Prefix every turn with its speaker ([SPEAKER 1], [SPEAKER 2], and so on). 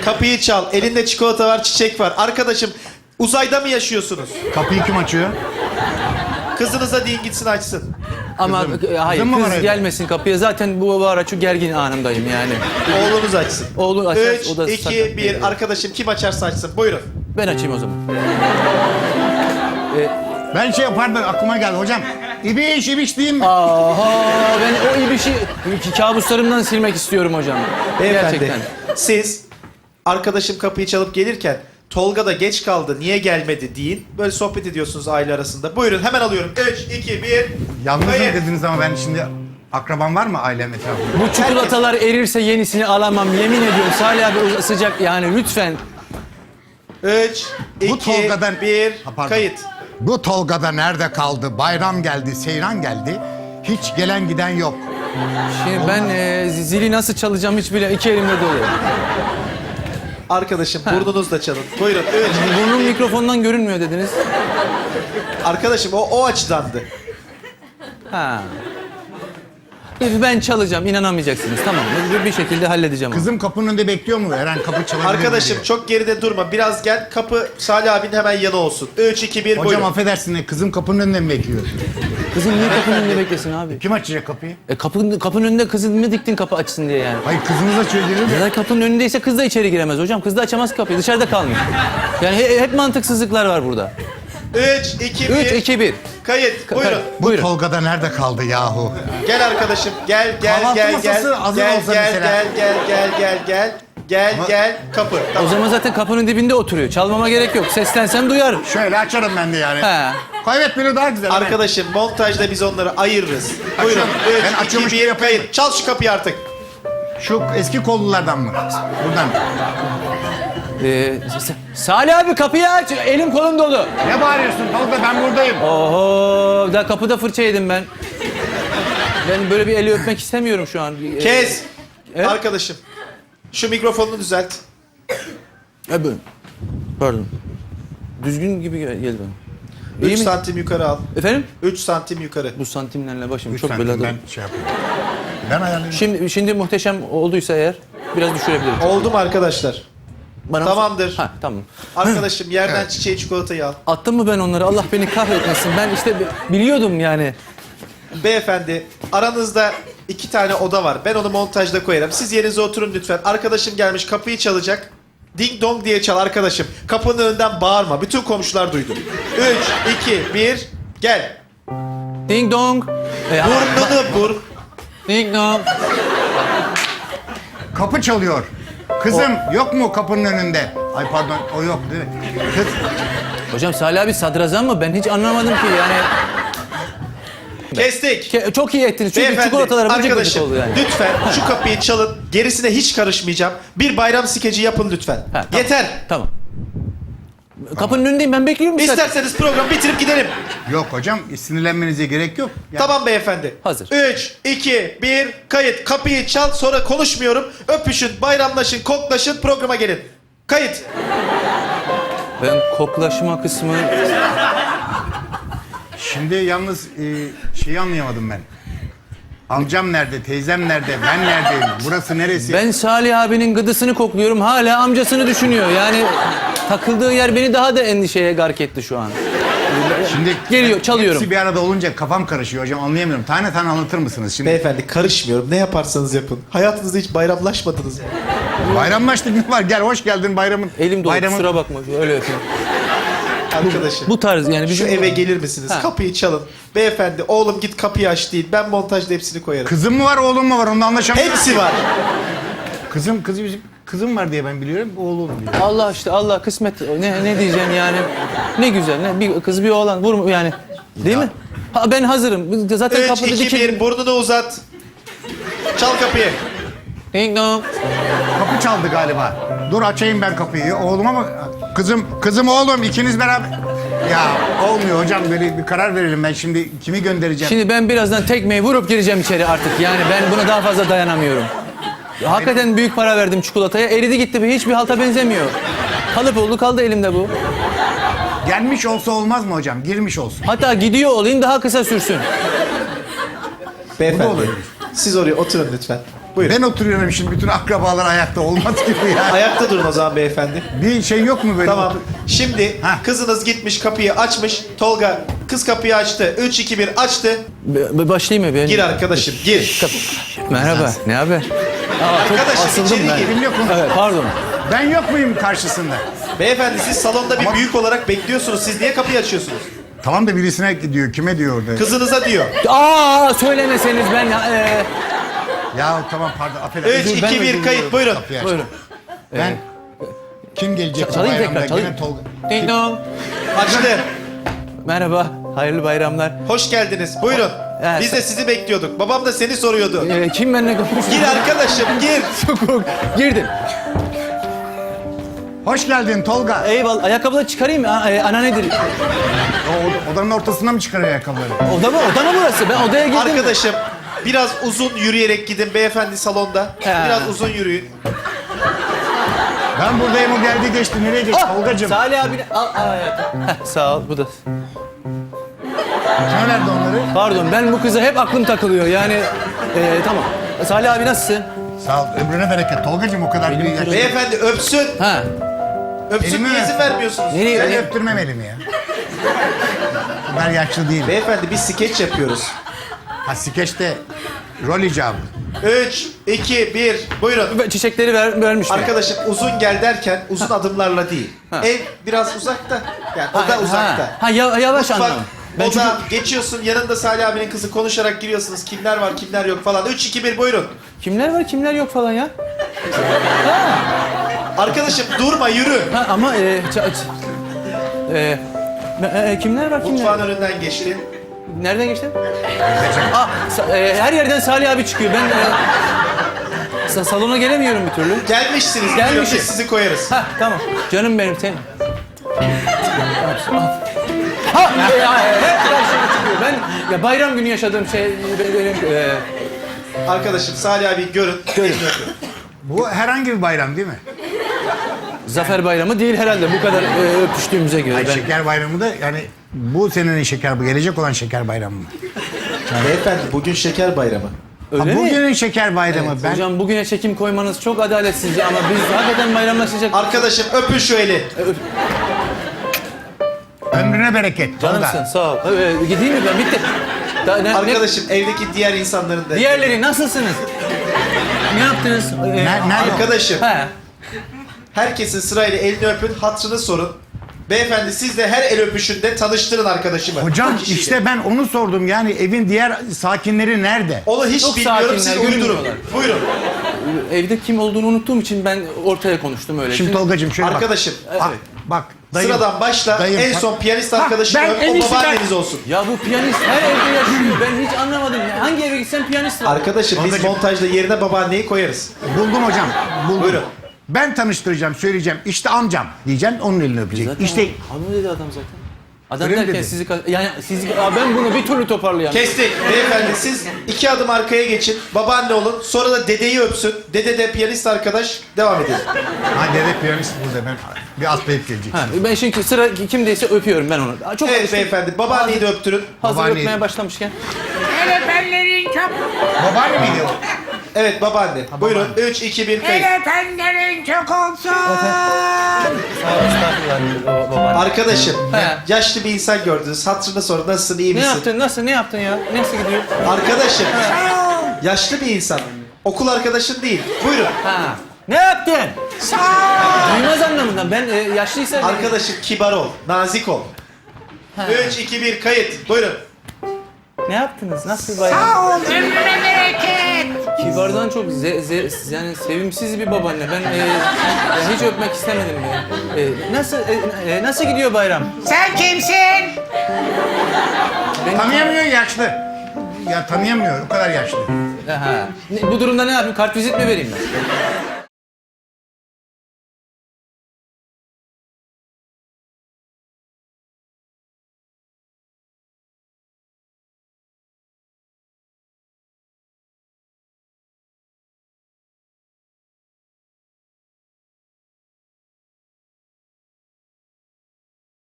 [SPEAKER 1] kapıyı çal. Elinde çikolata var, çiçek var. Arkadaşım, uzayda mı yaşıyorsunuz?
[SPEAKER 2] Kapıyı kim açıyor?
[SPEAKER 1] Kızınıza deyin gitsin açsın.
[SPEAKER 3] Ama hayır,
[SPEAKER 2] Kızım mı var
[SPEAKER 3] kız
[SPEAKER 2] evde?
[SPEAKER 3] gelmesin kapıya. Zaten bu ara şu gergin anımdayım yani.
[SPEAKER 1] Oğlunuz açsın.
[SPEAKER 3] Oğlu açar,
[SPEAKER 1] 3,
[SPEAKER 3] o da
[SPEAKER 1] 2,
[SPEAKER 3] sakın.
[SPEAKER 1] 1. Arkadaşım kim açarsa açsın. Buyurun.
[SPEAKER 3] Ben açayım o zaman.
[SPEAKER 2] Ben şey yapardım, aklıma geldi. Hocam, ibiş diyeyim mi?
[SPEAKER 3] Aha, ben o ibişi kabuslarımdan silmek istiyorum hocam.
[SPEAKER 1] Beyefendi,
[SPEAKER 3] Gerçekten.
[SPEAKER 1] siz arkadaşım kapıyı çalıp gelirken Tolga da geç kaldı, niye gelmedi deyin. Böyle sohbet ediyorsunuz aile arasında. Buyurun, hemen alıyorum. 3, 2, 1.
[SPEAKER 2] Yalnızım
[SPEAKER 1] Hayır.
[SPEAKER 2] dediniz ama ben şimdi... Akraban var mı ailem etrafında?
[SPEAKER 3] Bu çikolatalar erirse yenisini alamam. Yemin ediyorum Salih abi o sıcak yani lütfen.
[SPEAKER 1] 3,
[SPEAKER 2] Bu
[SPEAKER 1] 2,
[SPEAKER 2] Tolga'dan-
[SPEAKER 1] 1.
[SPEAKER 2] Ha, pardon.
[SPEAKER 1] Kayıt.
[SPEAKER 2] Bu Tolga'da nerede kaldı? Bayram geldi, seyran geldi. Hiç gelen giden yok.
[SPEAKER 3] Şimdi ben zili nasıl çalacağım hiç bile iki elimde dolu.
[SPEAKER 1] Arkadaşım burnunuzla çalın. Buyurun. 3.
[SPEAKER 3] Burnum mikrofondan görünmüyor dediniz.
[SPEAKER 1] Arkadaşım o açıdandı.
[SPEAKER 3] Ha. Ben çalacağım, inanamayacaksınız. Tamam mı? Bir şekilde halledeceğim onu.
[SPEAKER 2] Kızım kapının önünde bekliyor mu? Eren kapı çalabilir mi
[SPEAKER 1] Arkadaşım
[SPEAKER 2] diye.
[SPEAKER 1] çok geride durma. Biraz gel. Kapı Salih abinin hemen yanı olsun. 3, 2, 1.
[SPEAKER 2] Hocam
[SPEAKER 1] Buyurun.
[SPEAKER 2] affedersin de kızım kapının önünde mi bekliyor?
[SPEAKER 3] Kızım niye kapının önünde beklesin abi?
[SPEAKER 2] Kim açacak kapıyı?
[SPEAKER 3] Kapının önünde kızı mı diktin kapı açsın diye yani?
[SPEAKER 2] Hayır kızınız açıyor gelir de.
[SPEAKER 3] Zaten kapının önündeyse kız da içeri giremez hocam. Kız da açamaz kapıyı. Dışarıda kalmış. Yani hep mantıksızlıklar var burada.
[SPEAKER 1] 3, 2, 1.
[SPEAKER 3] 3, 2, 1.
[SPEAKER 1] Kayıt. Buyurun.
[SPEAKER 2] Bu
[SPEAKER 3] Buyurun.
[SPEAKER 2] Tolga'da nerede kaldı yahu?
[SPEAKER 1] Gel arkadaşım. Gel
[SPEAKER 2] Kahvaltı
[SPEAKER 1] gel
[SPEAKER 2] masası hazır
[SPEAKER 1] gel
[SPEAKER 2] olsa
[SPEAKER 1] gel
[SPEAKER 2] mesela.
[SPEAKER 1] gel kapı.
[SPEAKER 3] O
[SPEAKER 1] Tamam.
[SPEAKER 3] zaman zaten kapının dibinde oturuyor. Çalmama gerek yok. Seslensem duyar.
[SPEAKER 2] Şöyle açarım ben de yani.
[SPEAKER 3] He.
[SPEAKER 2] Evet biri daha güzel.
[SPEAKER 1] Arkadaşım montajda biz onları ayırırız. Buyurun.
[SPEAKER 2] Açıyorum. Ben
[SPEAKER 1] 3,
[SPEAKER 2] açıyormuş
[SPEAKER 1] 2,
[SPEAKER 2] gibi
[SPEAKER 1] 1.
[SPEAKER 2] yapayım.
[SPEAKER 1] Kayıt. Çal şu kapıyı artık.
[SPEAKER 2] Şu eski kollulardan mı? Buradan.
[SPEAKER 3] Salih abi kapıyı aç. Elim kolum dolu.
[SPEAKER 2] Ne bağırıyorsun Tolga ben buradayım.
[SPEAKER 3] Oho. Daha kapıda fırça yedim ben. Ben böyle bir eli öpmek istemiyorum şu an.
[SPEAKER 1] Kes.
[SPEAKER 3] Evet.
[SPEAKER 1] Arkadaşım. Şu mikrofonunu düzelt.
[SPEAKER 3] Buyurun. Pardon. Düzgün gibi geldi bana.
[SPEAKER 1] 3
[SPEAKER 3] İyi mi?
[SPEAKER 1] santim yukarı al.
[SPEAKER 3] Efendim?
[SPEAKER 1] 3 santim yukarı.
[SPEAKER 3] Bu santimlerle başım
[SPEAKER 2] Üç
[SPEAKER 3] çok
[SPEAKER 2] santim
[SPEAKER 3] belada.
[SPEAKER 2] ben şey yapayım. Ben ayarlayayım.
[SPEAKER 3] Şimdi muhteşem olduysa eğer biraz düşürebilirim.
[SPEAKER 1] Oldu mu arkadaşlar?
[SPEAKER 3] Bana
[SPEAKER 1] Tamamdır.
[SPEAKER 3] Ha tamam.
[SPEAKER 1] Arkadaşım yerden çiçeği çikolatayı al.
[SPEAKER 3] Attım mı ben onları? Allah beni kahretmesin. Ben işte biliyordum yani.
[SPEAKER 1] Beyefendi aranızda 2 tane oda var. Ben onu montajda koyarım. Siz yerinize oturun lütfen. Arkadaşım gelmiş kapıyı çalacak. Ding dong diye çal arkadaşım. Kapının önünden bağırma. Bütün komşular duydu. 3, 2, 1. Gel.
[SPEAKER 3] Ding dong.
[SPEAKER 1] Burnunu vur.
[SPEAKER 3] Ding dong.
[SPEAKER 2] Kapı çalıyor. Kızım yok mu kapının önünde? Ay pardon o yok değil mi? Kız
[SPEAKER 3] Hocam Salih abi sadrazam mı? Ben hiç anlamadım ki yani.
[SPEAKER 1] Kestik.
[SPEAKER 3] Çok iyi ettiniz. Çünkü
[SPEAKER 1] Beyefendi,
[SPEAKER 3] çikolatalara bıcık bıcık
[SPEAKER 1] arkadaşım
[SPEAKER 3] oldu yani.
[SPEAKER 1] lütfen şu kapıyı çalın. Gerisine hiç karışmayacağım. Bir bayram skeci yapın lütfen.
[SPEAKER 3] Ha, tamam.
[SPEAKER 1] Yeter.
[SPEAKER 3] Tamam. Kapının önündeyim ben bekliyorum. zaten.
[SPEAKER 1] İsterseniz programı bitirip gidelim.
[SPEAKER 2] yok hocam sinirlenmenize gerek yok. Yani
[SPEAKER 1] Tamam beyefendi.
[SPEAKER 3] Hazır.
[SPEAKER 1] 3, 2, 1, kayıt. Kapıyı çal, sonra konuşmuyorum. Öpüşün, bayramlaşın, koklaşın, programa gelin. Kayıt.
[SPEAKER 3] Ben koklaşma kısmı...
[SPEAKER 2] Şimdi yalnız şeyi anlayamadım ben. Amcam nerede, teyzem nerede, ben neredeyim, burası neresi?
[SPEAKER 3] Ben Salih abinin gıdısını kokluyorum. Hala amcasını düşünüyor. Yani takıldığı yer beni daha da endişeye gark etti şu an.
[SPEAKER 2] Şimdi
[SPEAKER 3] Geliyor, çalıyorum.
[SPEAKER 2] Hepsi bir arada olunca kafam karışıyor hocam anlayamıyorum. Tane tane anlatır mısınız? Şimdi
[SPEAKER 1] Beyefendi karışmıyorum. Ne yaparsanız yapın. Hayatınızda hiç bayramlaşmadınız mı?
[SPEAKER 2] bayramlaştık ne var? Gel hoş geldin bayramın.
[SPEAKER 3] Elim dolu
[SPEAKER 2] bayramın...
[SPEAKER 3] kusura bakma. Öyle öpeyim.
[SPEAKER 1] Arkadaşım.
[SPEAKER 3] Bu tarz yani
[SPEAKER 1] Şu
[SPEAKER 3] bizim...
[SPEAKER 1] eve gelir misiniz?
[SPEAKER 3] Ha.
[SPEAKER 1] Kapıyı çalın. Beyefendi oğlum git kapıyı aç değil. Ben montajda hepsini koyarım.
[SPEAKER 2] Kızım mı var oğlum mu var onda anlaşamıyorum.
[SPEAKER 1] Hepsi var.
[SPEAKER 2] Kızım var diye ben biliyorum oğlum diyor.
[SPEAKER 3] Allah işte Allah kısmet. Ne diyeceğim yani. Ne güzel. Ne bir kız bir oğlan. Vur yani. Değil mi? Ha, ben hazırım. Zaten
[SPEAKER 1] 3,
[SPEAKER 3] kapıda
[SPEAKER 1] 2, 1
[SPEAKER 3] dikildim.
[SPEAKER 1] burnunu uzat. Çal kapıyı.
[SPEAKER 3] Ding dong.
[SPEAKER 2] Kapı çaldı galiba. Dur açayım ben kapıyı. Oğluma mı? Kızım oğlum ikiniz beraber. Ya olmuyor hocam böyle bir karar verelim ben şimdi kimi göndereceğim?
[SPEAKER 3] Şimdi ben birazdan tekmeyi vurup gireceğim içeri artık. Yani ben buna daha fazla dayanamıyorum. Hakikaten büyük para verdim çikolataya. Eridi gitti. Hiçbir halta benzemiyor. Kalıp oldu kaldı elimde bu.
[SPEAKER 2] Gelmiş olsa olmaz mı hocam? Girmiş olsun.
[SPEAKER 3] Hatta gidiyor olayım daha kısa sürsün.
[SPEAKER 1] Beyefendi
[SPEAKER 2] olabilir.
[SPEAKER 1] siz oraya oturun lütfen. Buyurun.
[SPEAKER 2] Ben oturuyorum şimdi, bütün akrabalar ayakta, olmaz gibi ya.
[SPEAKER 1] Ayakta durun o zaman beyefendi.
[SPEAKER 2] Bir şey yok mu böyle?
[SPEAKER 1] Tamam. Şimdi
[SPEAKER 2] Ha.
[SPEAKER 1] kızınız gitmiş kapıyı açmış. Tolga kız kapıyı açtı. 3, 2, 1 açtı.
[SPEAKER 3] Başlayayım mı? Ben...
[SPEAKER 1] Gir arkadaşım gir.
[SPEAKER 3] Merhaba, ne haber? Çok
[SPEAKER 1] Arkadaşım
[SPEAKER 3] asıldım
[SPEAKER 1] içeri
[SPEAKER 3] ben.
[SPEAKER 1] gir.
[SPEAKER 2] Kim yok mu?
[SPEAKER 3] Evet, pardon.
[SPEAKER 2] Ben yok muyum karşısında?
[SPEAKER 1] Beyefendi siz salonda bir büyük olarak bekliyorsunuz. Siz niye kapıyı açıyorsunuz?
[SPEAKER 2] Tamam da birisine diyor, kime diyor orada?
[SPEAKER 1] Kızınıza diyor.
[SPEAKER 3] Söylemeseniz ben...
[SPEAKER 2] Ya tamam, pardon, affedersin.
[SPEAKER 1] 3,
[SPEAKER 3] ben
[SPEAKER 1] 2, 1
[SPEAKER 3] de
[SPEAKER 1] kayıt buyurun.
[SPEAKER 2] Kapıyı aç.
[SPEAKER 3] Buyurun.
[SPEAKER 2] Ben kim gelecek bu
[SPEAKER 3] Çalayım
[SPEAKER 2] bayramda?
[SPEAKER 3] tekrar, çalayım.
[SPEAKER 2] Gene Tolga.
[SPEAKER 3] Ding dong.
[SPEAKER 1] Açtı.
[SPEAKER 3] Merhaba, hayırlı bayramlar.
[SPEAKER 1] Hoş geldiniz. Buyurun.
[SPEAKER 3] Evet.
[SPEAKER 1] Biz de sizi bekliyorduk. Babam da seni soruyordu.
[SPEAKER 3] Kim benimle konuşuyor?
[SPEAKER 1] Gir arkadaşım gir.
[SPEAKER 3] Girdim.
[SPEAKER 2] Hoş geldin Tolga.
[SPEAKER 3] Eyvallah. Ayakkabıları çıkarayım mı? Ana nedir?
[SPEAKER 2] Odanın ortasına mı çıkarıyor ayakkabıları?
[SPEAKER 3] Oda mı? Oda mı burası? Ben odaya girdim.
[SPEAKER 1] Arkadaşım biraz uzun yürüyerek gidin beyefendi salonda.
[SPEAKER 3] He.
[SPEAKER 1] Biraz uzun yürüyün.
[SPEAKER 2] Ben buradayım, o geldi geçti. Nereye geçti Tolgacığım?
[SPEAKER 3] Salih abi al hayatım. Sağ ol. Bu da.
[SPEAKER 2] Kime verdi onları?
[SPEAKER 3] Pardon, ben bu kıza hep aklım takılıyor. Yani tamam. Salih abi nasılsın?
[SPEAKER 2] Sağ ol, ömrüne bereket. Tolgacığım o kadar büyük yaşta.
[SPEAKER 1] Beyefendi öpsün.
[SPEAKER 3] Ha.
[SPEAKER 1] Öpsün
[SPEAKER 2] Elimi
[SPEAKER 1] niye
[SPEAKER 2] ver.
[SPEAKER 1] izin vermiyorsunuz?
[SPEAKER 3] Nereye?
[SPEAKER 2] Ben öptürmem elimi ya. Ben yaşlı değilim.
[SPEAKER 1] Beyefendi biz skeç yapıyoruz.
[SPEAKER 2] Ha, skeçte rol icabı.
[SPEAKER 1] 3, 2, 1 buyurun.
[SPEAKER 3] Çiçekleri vermiş mi?
[SPEAKER 1] Arkadaşım uzun gel derken uzun adımlarla değil.
[SPEAKER 3] Ha.
[SPEAKER 1] Ev biraz uzakta. Yani o da uzakta.
[SPEAKER 3] Yavaş
[SPEAKER 1] Mutfak,
[SPEAKER 3] anlam. Ben
[SPEAKER 1] oda geçiyorsun yanında Salih abinin kızı konuşarak giriyorsunuz. Kimler var kimler yok falan. 3, 2, 1 buyurun.
[SPEAKER 3] Kimler var kimler yok falan ya.
[SPEAKER 1] Arkadaşım durma yürü.
[SPEAKER 3] Ha ama kimler var kimler?
[SPEAKER 1] Mutfağın önünden geçti.
[SPEAKER 3] Nereden geçtin? Her yerden Salih abi çıkıyor. Ben salona gelemiyorum bir türlü.
[SPEAKER 1] Gelmişsiniz.
[SPEAKER 3] Gelmişim.
[SPEAKER 1] Gelmişiz. Sizi koyarız.
[SPEAKER 3] Ha tamam. Canım benim sen. Hep karşıma çıkıyor. Ben ya bayram günü yaşadığım şey benim
[SPEAKER 1] Arkadaşım Salih abi görün.
[SPEAKER 3] Görün.
[SPEAKER 2] Bu herhangi bir bayram değil mi?
[SPEAKER 3] Zafer Bayramı değil herhalde bu kadar öpüştüğümüze göre.
[SPEAKER 2] Ay,
[SPEAKER 3] Ben...
[SPEAKER 2] şeker bayramı da yani bu senenin şeker, bu gelecek olan şeker bayramı mı?
[SPEAKER 1] Beyefendi bugün şeker bayramı.
[SPEAKER 3] Öyle
[SPEAKER 2] Ha,
[SPEAKER 3] mi?
[SPEAKER 2] bugünün şeker bayramı. Ben
[SPEAKER 3] Hocam bugüne çekim koymanız çok adaletsizce ama biz hakikaten bayramlaşacak.
[SPEAKER 1] Arkadaşım öpün şu eli.
[SPEAKER 2] ömrüne bereket. Tolga.
[SPEAKER 3] Canımsın sağ ol. Gideyim mi ben bitti.
[SPEAKER 1] Arkadaşım evdeki diğer insanların da.
[SPEAKER 3] Diğerleri nasılsınız? Ne yaptınız?
[SPEAKER 2] Nerede?
[SPEAKER 1] Arkadaşım
[SPEAKER 3] He.
[SPEAKER 1] herkesin sırayla elini öpün, hatırını sorun. Beyefendi siz de her el öpüşünde tanıştırın arkadaşımı.
[SPEAKER 2] Hocam
[SPEAKER 1] O kişiyle.
[SPEAKER 2] işte ben onu sordum, yani evin diğer sakinleri nerede?
[SPEAKER 1] Onu hiç
[SPEAKER 3] Çok
[SPEAKER 1] bilmiyorum, siz
[SPEAKER 3] sakinler,
[SPEAKER 1] uydurun.
[SPEAKER 3] görünmüyorlar.
[SPEAKER 1] Buyurun.
[SPEAKER 3] Evde kim olduğunu unuttuğum için ben ortaya konuştum öyle.
[SPEAKER 2] Şimdi Tolgacığım şöyle
[SPEAKER 1] Arkadaşım
[SPEAKER 2] bak. Dayım,
[SPEAKER 1] sıradan başla,
[SPEAKER 2] dayım,
[SPEAKER 1] en son piyanist
[SPEAKER 2] Ha,
[SPEAKER 1] arkadaşını
[SPEAKER 2] ben
[SPEAKER 1] öp,
[SPEAKER 2] en
[SPEAKER 1] o
[SPEAKER 2] iyisi
[SPEAKER 1] babaanneniz olsun.
[SPEAKER 3] Ya bu piyanist her evde yaşıyor. Ben hiç anlamadım. Hangi eve gitsem piyanist var.
[SPEAKER 1] Arkadaşım biz
[SPEAKER 2] Tolgacığım.
[SPEAKER 1] montajda yerine babaanneyi koyarız.
[SPEAKER 2] Buldum hocam. Buldum.
[SPEAKER 1] Buyurun.
[SPEAKER 2] Ben tanıştıracağım, söyleyeceğim. İşte amcam diyeceğim, onun elini öpecek.
[SPEAKER 3] Zaten
[SPEAKER 2] İşte
[SPEAKER 3] hanım dedi adam zaten. Adam
[SPEAKER 2] Öyle mi
[SPEAKER 3] derken
[SPEAKER 2] dedi?
[SPEAKER 3] sizi yani sizi ben bunu bir türlü toparlayamam.
[SPEAKER 1] Kestik. Beyefendi siz 2 adım arkaya geçin, babaanne olun, sonra da dedeyi öpsün. Dede de piyanist arkadaş, devam edelim.
[SPEAKER 2] ha, dede piyanist burada, ben bir atlayıp gelecek.
[SPEAKER 3] Ha, ben şimdi sıra kimdeyse öpüyorum ben onu. Çok
[SPEAKER 1] Evet
[SPEAKER 3] alıştım.
[SPEAKER 1] beyefendi, babaanneyi de öptürün.
[SPEAKER 3] Hazır
[SPEAKER 2] Babaanneyi-
[SPEAKER 3] öpmeye başlamışken.
[SPEAKER 4] Telefonların çok...
[SPEAKER 2] Babaanne miydi o?
[SPEAKER 1] Evet babaanne. Buyurun 3, 2, 1 kayıt.
[SPEAKER 4] Telefonların çok olsun.
[SPEAKER 3] Estağfurullah baba.
[SPEAKER 1] Arkadaşım,
[SPEAKER 3] He.
[SPEAKER 1] yaşlı bir insan gördünüz. Hatırına sorun, nasılsın, iyi
[SPEAKER 3] Ne
[SPEAKER 1] misin?
[SPEAKER 3] yaptın? Ne yaptın ya? Nasıl gidiyor?
[SPEAKER 1] Arkadaşım, yaşlı bir insan. Okul arkadaşın değil. Buyurun.
[SPEAKER 3] Ha. Ne yaptın? Duymaz anlamında. Ben yaşlıysa...
[SPEAKER 1] Arkadaşım kibar ol, nazik ol. 3, 2, 1 kayıt. Buyurun.
[SPEAKER 3] Ne yaptınız? Nasıl bir bayram?
[SPEAKER 4] Sağ ol, ömrüne bereket.
[SPEAKER 3] Kibardan çok yani sevimsiz bir babaanne. Ben hiç öpmek istemedim ya. Nasıl gidiyor bayram?
[SPEAKER 4] Sen kimsin?
[SPEAKER 2] Tanıyamıyor, yaşlı. Ya tanıyamıyor, o kadar yaşlı.
[SPEAKER 3] Bu durumda ne yapayım? Kartvizit mi vereyim ben?